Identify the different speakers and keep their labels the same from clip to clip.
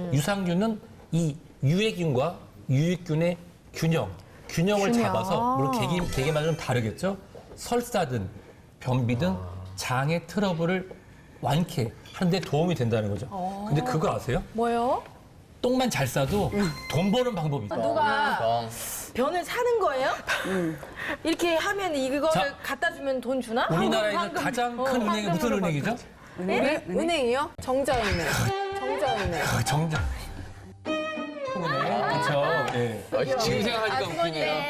Speaker 1: 유산균은 이 유해균과 유익균의 균형을 잡아서 물론 개개마다 좀 다르겠죠. 설사든 변비 등 장의 트러블을 완쾌하는 데 도움이 된다는 거죠. 근데 그거 아세요?
Speaker 2: 뭐요?
Speaker 1: 똥만 잘 싸도 돈 버는 방법이 있어요.
Speaker 2: 누가 변을 사는 거예요? 이렇게 하면 이거를
Speaker 1: 자,
Speaker 2: 갖다 주면 돈 주나?
Speaker 1: 우리나라에 있는 가장 큰 은행이 무슨 은행이죠?
Speaker 3: 은행이요? 정자은행. 정자은행.
Speaker 1: 정작. 은행. 그렇죠. 예.
Speaker 4: 지금 생각하니까 웃기네요.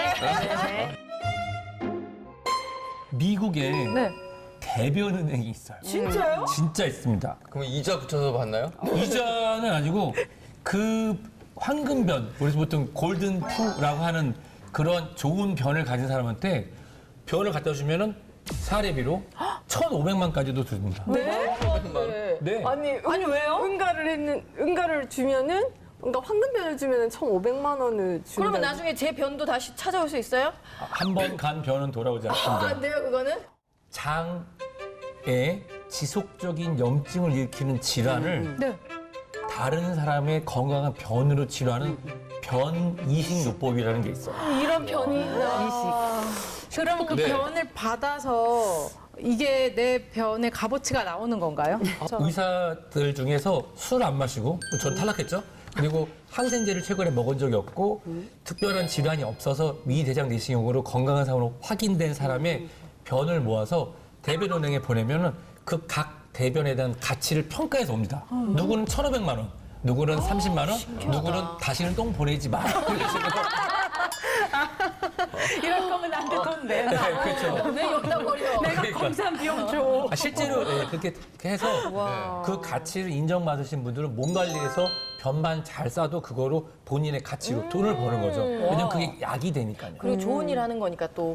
Speaker 1: 미국에
Speaker 2: 네.
Speaker 1: 대변은행이 있어요.
Speaker 2: 진짜요?
Speaker 1: 진짜 있습니다.
Speaker 4: 그럼 이자 붙여서 받나요?
Speaker 1: 이자는 아니고 그 황금변, 우리서 보통 골든 푸라고 하는 그런 좋은 변을 가진 사람한테 변을 갖다 주면은 사례비로 1,500만까지도 줍니다.
Speaker 3: 네?
Speaker 1: 네.
Speaker 3: 아니
Speaker 2: 왜요?
Speaker 3: 응가를 주면은 그러니까 황금변을 주면은 1,500만 원을 준다.
Speaker 2: 그러면 나중에 제 변도 다시 찾아올 수 있어요?
Speaker 1: 한 번 간 변은 돌아오지 않습니다.
Speaker 2: 안 돼요, 그거는?
Speaker 1: 장에 지속적인 염증을 일으키는 질환을
Speaker 2: 네.
Speaker 1: 다른 사람의 건강한 변으로 치료하는 변이식요법이라는 게 있어요.
Speaker 2: 이런 변이
Speaker 5: 그럼 그
Speaker 4: 네.
Speaker 5: 변을 받아서 이게 내 변의 값어치가 나오는 건가요?
Speaker 1: 의사들 중에서 술 안 마시고, 전 탈락했죠. 그리고 항생제를 최근에 먹은 적이 없고 특별한 질환이 없어서 위대장 내시경으로 건강한 사람으로 확인된 사람의 변을 모아서 대변은행에 보내면은 그 각 대변에 대한 가치를 평가해서 옵니다. 누구는 1,500만 원, 누구는 30만 원, 누구는 다시는 똥 보내지 마.
Speaker 5: 이럴 거면 나한테 돈 내.
Speaker 1: 네, 그렇죠.
Speaker 2: 왜 여기다 버려?
Speaker 5: 내가
Speaker 1: 그러니까.
Speaker 5: 검사한 비용 줘.
Speaker 1: 실제로 그렇게 해서 그 가치를 인정받으신 분들은 몸 관리해서 변만 잘 싸도 그거로 본인의 가치로 돈을 버는 거죠. 왜냐면 그게 약이 되니까요.
Speaker 2: 그리고 좋은 일 하는 거니까 또.